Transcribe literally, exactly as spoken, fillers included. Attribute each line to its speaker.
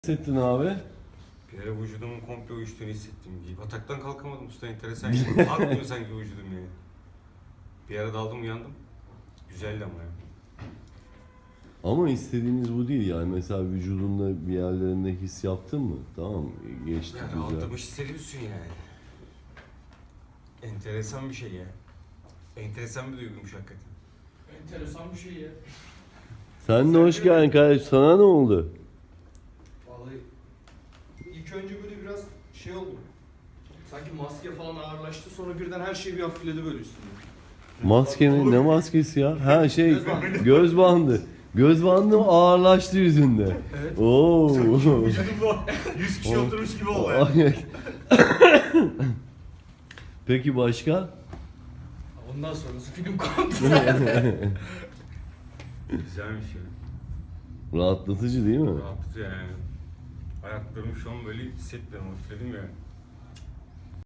Speaker 1: Hissettin abi?
Speaker 2: Bir ara vücudumun komple uyuştuğunu hissettim. Yataktan kalkamadım usta, enteresan. Yani. Kalkmıyor sanki vücudum yani. Bir ara daldım uyandım. Güzeldi ama ya.
Speaker 1: Ama istediğiniz bu değil yani. Mesela vücudunda bir yerlerinde his yaptın mı? Tamam, geçti
Speaker 2: Yani
Speaker 1: güzel.
Speaker 2: rahatlamış hissediyorsun yani. Enteresan bir şey ya. Enteresan bir duyguymuş hakikaten.
Speaker 3: Enteresan bir şey ya.
Speaker 1: Sen de hoş geldin kardeşim. Sana ne oldu?
Speaker 3: Vallahi ilk önce böyle biraz şey oldu. Sanki maske falan ağırlaştı, sonra birden her şey bir hafifledi böyle üstüne.
Speaker 1: Maske mi? Ne maskesi ya? Ha şey,
Speaker 3: Göz bandı.
Speaker 1: göz bandı. Göz bandı ağırlaştı yüzünde.
Speaker 3: Evet.
Speaker 1: Oo.
Speaker 2: Vücudumda yüz kişi
Speaker 1: O-
Speaker 2: oturmuş gibi oldu ya.
Speaker 1: Ay. Peki başka?
Speaker 3: Ondan sonrası film kondu.
Speaker 2: Güzelmiş ya.
Speaker 1: Rahatlatıcı değil mi?
Speaker 2: Rahatlatıyor yani. Ayaklarımı şu an böyle hissetmiyorum. Hafifledim ya.